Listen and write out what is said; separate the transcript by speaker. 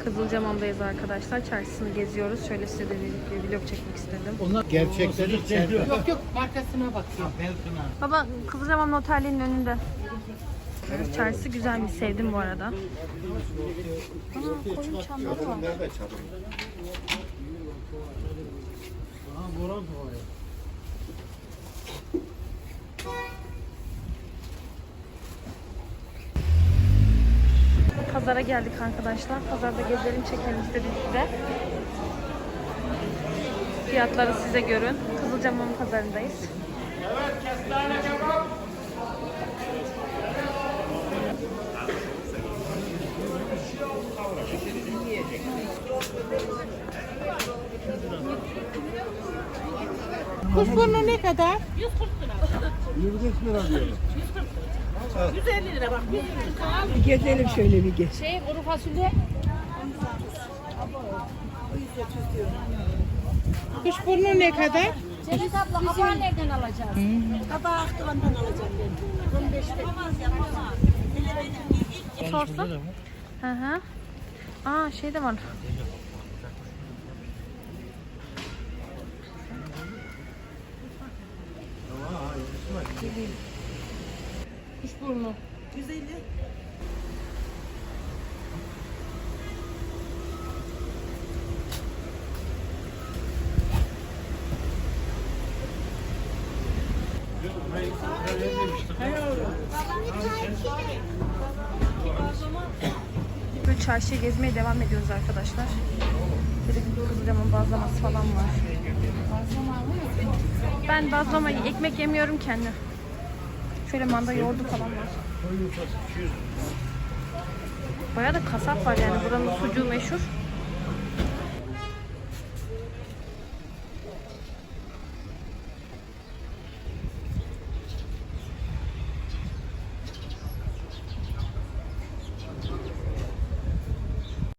Speaker 1: Kızılcamam'dayız arkadaşlar. Çarşısını geziyoruz. Şöyle size de bir vlog çekmek istedim.
Speaker 2: Onlar gerçekleri içeride.
Speaker 3: Yok yok markasına bakıyor.
Speaker 1: Baba Kızılcamam Otelli'nin önünde. Çarşısı güzelmiş. Sevdim bu arada. Aa, koyun çamları var.
Speaker 2: Nerede çadır?
Speaker 1: Pazara geldik arkadaşlar. Pazarda gezelim, çekelim istedim size. Fiyatları size görün. Kızılcamam pazarındayız.
Speaker 3: Evet kestane kebap. Kuşburnu ne kadar?
Speaker 2: 25 lira diyorum.
Speaker 3: 150 lira bak.
Speaker 4: Bir gezelim şöyle bir gez.
Speaker 3: Kuru fasulye. Kuşburnu ne kadar?
Speaker 5: Cennet abla kabağı nereden alacağız?
Speaker 4: Kabağı Akdoğan'dan alacağım ben. 15'te.
Speaker 1: Sorsun. Hı hı. Aa şey de var.
Speaker 3: Kuşburnu.
Speaker 4: 150.
Speaker 1: Böyle çarşıya gezmeye devam ediyoruz arkadaşlar. Böyle Kızılcamam bazlaması falan var. Ben bazlama ekmek yemiyorum kendi. Şöyle manda yoğurdu falan var. Bayağı da kasap var yani, buranın sucuğu meşhur.